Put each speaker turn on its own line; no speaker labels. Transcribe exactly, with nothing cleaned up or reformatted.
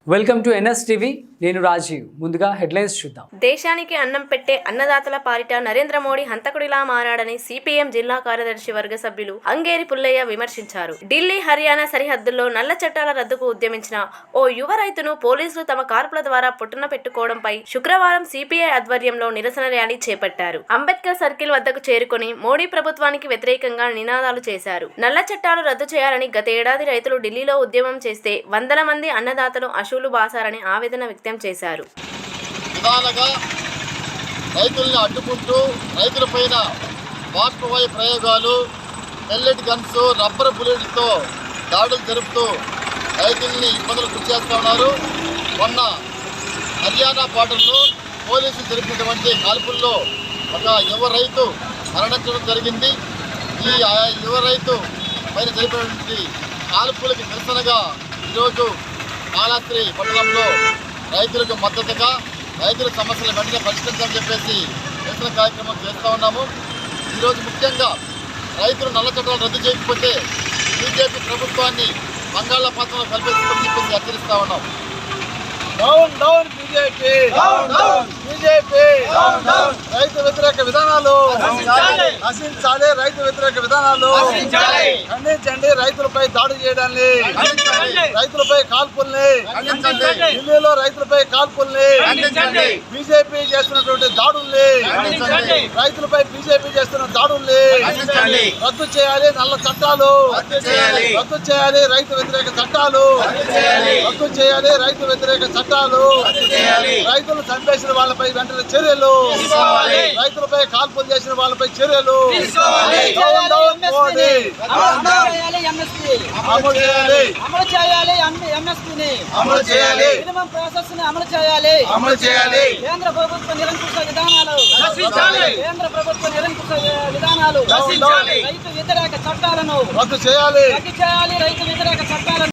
Welcome to NS TV. నేను రాజీవ్. ముందుగా headlines చూద్దాం.
దేశానికి అన్నం పెట్టే అన్నదాతల పాలిట నరేంద్ర మోడీ హంతకుడిలా మారాడని సిపిఎం జిల్లా కార్యదర్శి వర్గ సభ్యులు అంగేరి పుల్లయ్య విమర్శించారు. ఢిల్లీ, హర్యానా సరిహద్దుల్లో నల్ల చట్టాల రద్దుకు ఉద్యమించిన ఓ యువ రైతును పోలీసులు తమ కార్పుల ద్వారా పొట్టున పెట్టుకోవడంపై శుక్రవారం సిపిఐ ఆధ్వర్యంలో నిరసన ర్యాలీ చేపట్టారు. అంబేద్కర్ సర్కిల్ వద్దకు చేరుకుని మోడీ ప్రభుత్వానికి వ్యతిరేకంగా నినాదాలు చేశారు. నల్ల చట్టాలు రద్దు చేయాలని గత ఏడాది రైతులు ఢిల్లీలో ఉద్యమం చేస్తే వందల మంది అన్నదాతలు అశూలు బాసారని ఆవేదన వ్యక్తం చేశారు.
విధాలుగా రైతుల్ని అడ్డుకుంటూ రైతుల పైన బాష్పవాయు ప్రయోగాలు, పెల్లెట్ గన్స్, రబ్బర్ బుల్లెట్లతో దాడులు జరుపుతూ రైతుల్ని ఇబ్బందులు గురి చేస్తూ ఉన్నారు. మొన్న హర్యానా బార్డర్లో పోలీసులు జరిపినటువంటి కాల్పుల్లో ఒక యువ రైతు మరణించడం జరిగింది. ఈ యువ రైతు పైన జరిపినటువంటి కాల్పులకు నిరసనగా ఈరోజు కాళహస్తి పట్టణంలో రైతులకు మద్దతుగా రైతుల సమస్యలు వెంటనే పరిష్కరించాలని చెప్పేసి నిరసన కార్యక్రమం చేస్తూ ఉన్నాము. ఈరోజు ముఖ్యంగా రైతులు నల్ల చట్టాలు రద్దు చేయకపోతే బీజేపీ ప్రభుత్వాన్ని బంగాళాఖాతంలో కల్పిస్తామని చెప్పేసి హెచ్చరిస్తూ ఉన్నాం.
డౌన్ డౌన్ బీజేపీ, బీజేపీ రైతు వ్యతిరేక విధానాలు నశించాలి, రైతు వ్యతిరేక విధానాలు ఖండించండి. రైతులపై దాడి చేయడాన్ని, రైతులపై కాల్పుల్ని, ఢిల్లీలో రైతులపై కాల్పుల్ని, బీజేపీ చేస్తున్నటువంటి దాడుల్ని, రైతులపై బీజేపీ చేస్తున్న దాడుల్ని రద్దు చేయాలి. నల్ల చట్టాలు రద్దు చేయాలి, రైతు వ్యతిరేక చట్టాలు రద్దు చేయాలి, రైతు వ్యతిరేక చట్టాలు, రైతులు చంపేసిన వాళ్ళపై వెంటనే చర్యలు, రైతులపై కాల్పులు చేసిన వాళ్ళపై చర్యలు అమలు చేయాలి,
అమలు చేయాలి, ఎంఎస్పీని
అమలు చేయాలి,
మినిమం ప్రాసెస్ ని అమలు చేయాలి,
అమలు చేయాలి.
కేంద్ర ప్రభుత్వ నిరంకుశ విధానాలు కేంద్ర ప్రభుత్వ నిరంకుశ విధానాలు
నశించాలి.
రైతు వ్యతిరేక చట్టాలను
రద్దు చేయాలి,
రద్దు చేయాలి, రైతు వ్యతిరేక చట్టాలను